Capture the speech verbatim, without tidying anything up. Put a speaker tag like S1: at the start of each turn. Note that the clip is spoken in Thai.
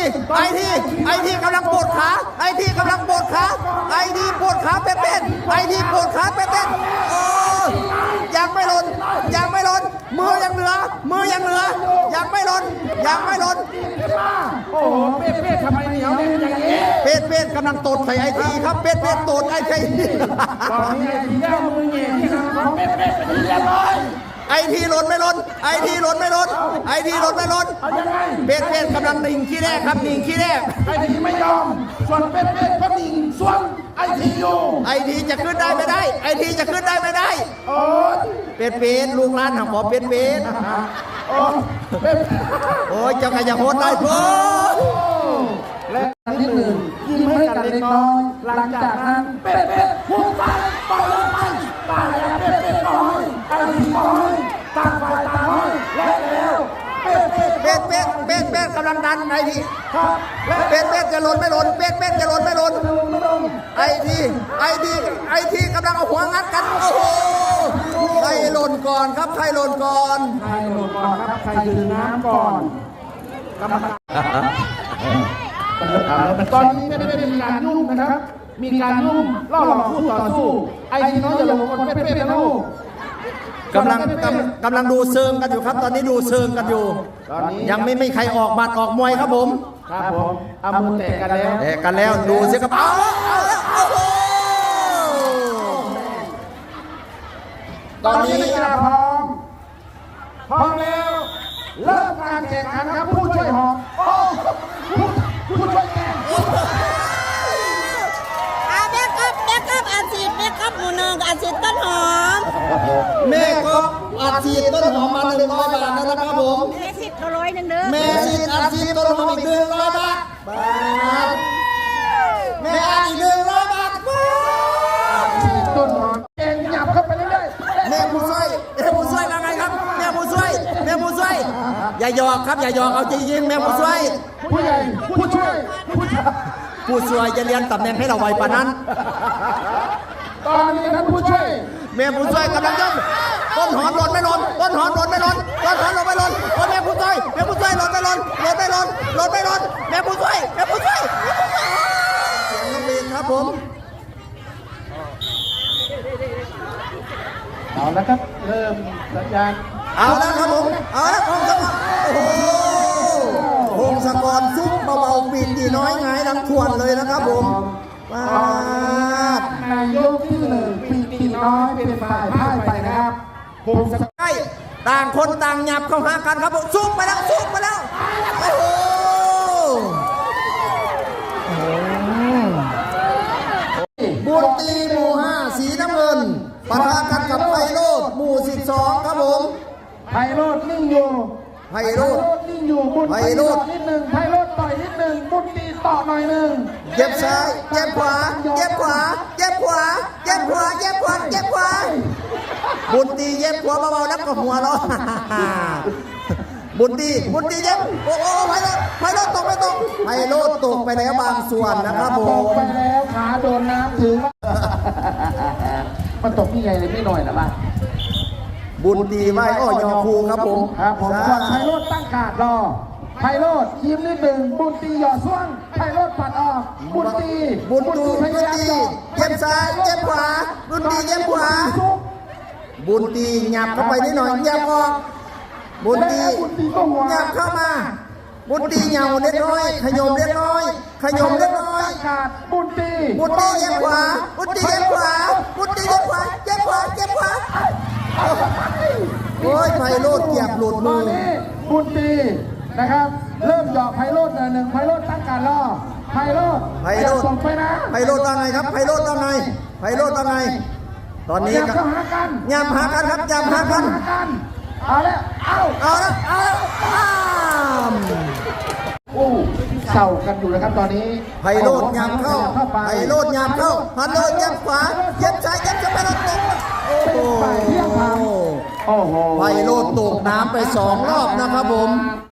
S1: ไอทีไอทีกำลังปวดขาไอทีกำลังปวดขาไอทีปวดขาเป็นเป็นไอทีปวดขาเป็นเป็นโอ้ยังไม่หล่นยังไม่หล่นมือยังเหลือมือยังเหลือยังไม่หล่นยังไม่หล่น
S2: โอ้โหเป็ดเป็ดทำไมเหนียวเนี่ยอย่างนี้
S1: เป็ดเป็ดกำลังตดใส่ไอทีครับเป็ดเป็ดตดไอที
S2: ตอนนี้ไอทีแย่มือเงี้ยที่ทำของเป็ดเป็ดเป็นเรียบร้อย
S1: ไอทีหล่นไม่หล่นไอทีหล่นไม่หล่นไอทีหล่นไม่หล่นเป็ดเป็ดกำลังดิ่งขี้แรกครับดิ่งขี้แรก
S2: ไอทีไม่ยอมส่วนเป็ดเป็ดก็ดิ่งส่วนไอทีอยู่
S1: ไอทีจะขึ้นได้ไม่ได้ไอทีจะขึ้นได้ไม่ได้
S2: โอ้
S1: เป็ดเป็ดลูกหลานหาหมอเป็ดเป็ด
S2: โอ้เป็ด
S1: โอ้ยเจ้าขยะโหดได้โอ้
S2: และที่หนึ่งยิ้มให้กันเล็กน้อยหลังจากนั้นเป็ดเป็ดพุ่งไปไปเลยไปตายแล้วเป็ดเป็ดน้อยไอทีน้อยต่างฝ่ายต่างน้อยและแล้วเป็ดเป็ด
S1: เป็ดเป็ดเป็ดเป็ดกำลังดันไอทีเป็ดเป็ดจะหล่นไม่หล่นเป็ดเป็ดจะหล่นไม่หล่นไอทีไอทีไอทีกำลังเอาหัวงัดกันโอ้โหใครหล่นก่อนครับใครหล่นก่อน
S2: ใครหล่นก่อนครับใครดื่มน้ำก่อนกรรมการตอนนี้ไม่ได้มีการยุ่งนะครับมีการยุ่งล่อหลอกคู่ต่อสู้ไอ้ที่น้องจะลงคนเป๊ะๆนะลูก
S1: กำลังกำลังดูเชิงกันอยู่ครับตอนนี้ดูเชิงกันอยู่ยังไม่ไม่ใครออกบัตรออกมวยครับผม
S2: ครับผมเอามือแตะกันแล้ว
S1: แตะกันแล้วดูเสียกระเป๋า
S2: ตอนนี้นักกีฬาพร้อมพร้อมแล้วเริ่มการแข่งขันครับผู้ช่วยหอมโอ้ผู้ผู้ช่วยแข่ง
S3: อาเบคอัพเบคอัพอาชีพเบคอัพหมู่หนึ่งอาชีพต้นหอม
S1: แม่ก็อาชีพต้นหอมมาหนึ่งร้อยบาทนะครับผม
S3: แม่สิบก็ร้อยหนึ่งเด้อ
S1: แม่สิอาชีพต้นหอมอีกหนึ่งร้อยบาทแม่อาอีกหนึ่งร้อยบาท
S2: ต้นหอมเองหยับเข้าไปเรื่อย
S1: ๆแม่ผู้ช่วยแม่ผู้ช่วยมาไงครับแม่ผู้ช่วยแม่ผู้ช่วยอย่าหยอกครับอย่าหยอกเอาจริงๆแม่ผู้ช่วย
S2: ผู้ใหญ่ผู้ช่วย
S1: ผู้ช่วยจะเรียนตำแหน่งให้เราไวปานนั้น
S2: ตอนนี้ท่านผู้ช่วย
S1: แม่ผู้ช่วยกำลังย่องต้นหอมหล่นไม่หล่นต้นหอมหล่นไม่หล่นต้นหอมหล่นไม่หล่นโอ้แม่ผู้ช่วยแม่ผู้ช่วยหล่นไม่หล่นหล่นไม่หล่นหล่นไม่หล่นแม่ผู้ช่วยแม่ผู้ช่วยเสียงนักเรียนครับผม
S2: เอาแล้วครับเริ่มสัญญาณ
S1: เอาแล้วครับผมเอาแล้วพงศกรโอ้โหพงศกรซุปเบาๆปีดีน้อยไงดังทวนเลยนะครับผม
S2: มาในยกที่หนึ่งปีดีน้อยเป็นฝ่ายพ่ายไปนะครับพงศกร
S1: ต่างคนต่างหยับเข้าหากันครับผมซุปไปแล้วซุปไปแล้วโอ้โหบุญตีหมู่ห้าสีน้ำเงินปะทะกันกับไพโรจน์หมู่สิบสองครับผม
S2: ไพโรจน์นิ่งอยู่
S1: ไพโรจน์
S2: นิ่งอยู่บุญตีต่อนิดหนึ่งไพโรจน์ต่อยนิดหนึ่งบุญตีต่อหน่อยหนึ่ง
S1: เจ็บซ้ายเจ็บขวาเจ็บขวาเจ็บขวาเจ็บขวาเจ็บขวาเจ็บขวาบุญตีเย็บขวาเบาๆแล้วก็หัวเราะบุญตีบุญตีเย็บโอ้โหไพโรจน์ไพโรจน์ตกไม่ตกไพโรจน์ตกไปแล้วบางส่วนนะครับผม
S2: ตกไปแล้วขาโดนน้ำถึงมันตกนี่ไงเลยไม่หน่อยนะบ้าง
S1: บุญตีไหวอ้อยอคูครับผม
S2: ครับผมก่อนไพโรจน์ตั้งการรอไพโรจน์ยิ้มนิดหนึ่งบุญตีหย่อซ่วงไพโรจน์ปัดออกบุญตี
S1: บุญตีบุญตีเย็บซ้ายเย็บขวาบุญตีเย็บขวาบุญตีหยับเข้าไปนิดหน่อยเย็บออกบุญตีหยับเข้ามาบุญตีเหยาเล็กน้อยขยมเล็กน้อยขยมเล็กน้อย
S2: บุญตี
S1: บุญตีเย็บขวาบุญตีเย็บขวาบุญตีเย็บขวาเย็บขวาเย็บขวาโอ้ยไพโรจน์เกียบหลุดมือ
S2: บุญตีนะครับเริ่มหยอกไพโรจน์หนึ่งไพโรจน์ตั้งการรอไพโรจน์
S1: ไพโรจน์
S2: ส่งไปนะ
S1: ไพโรจน์ว่าไงครับไพโรจน์ว่าไงไพโรจน์ว่าไงตอนนี้
S2: ยำหากัน
S1: ยำหากันครับยำหากัน
S2: เอาแล้วเอา
S1: เอาแล้วเอาแล้ว
S2: โอ้เศร้ากันอยู่นะครับตอนนี้
S1: ไพโรจน์ยำเข้าไพโรจน์ยำเข้าไพโรจน์ยับขวายับซ้ายยับจะไปแล้วตกโอ้โหไพโรจน์ตกน้ำไปสองรอบนะครับผม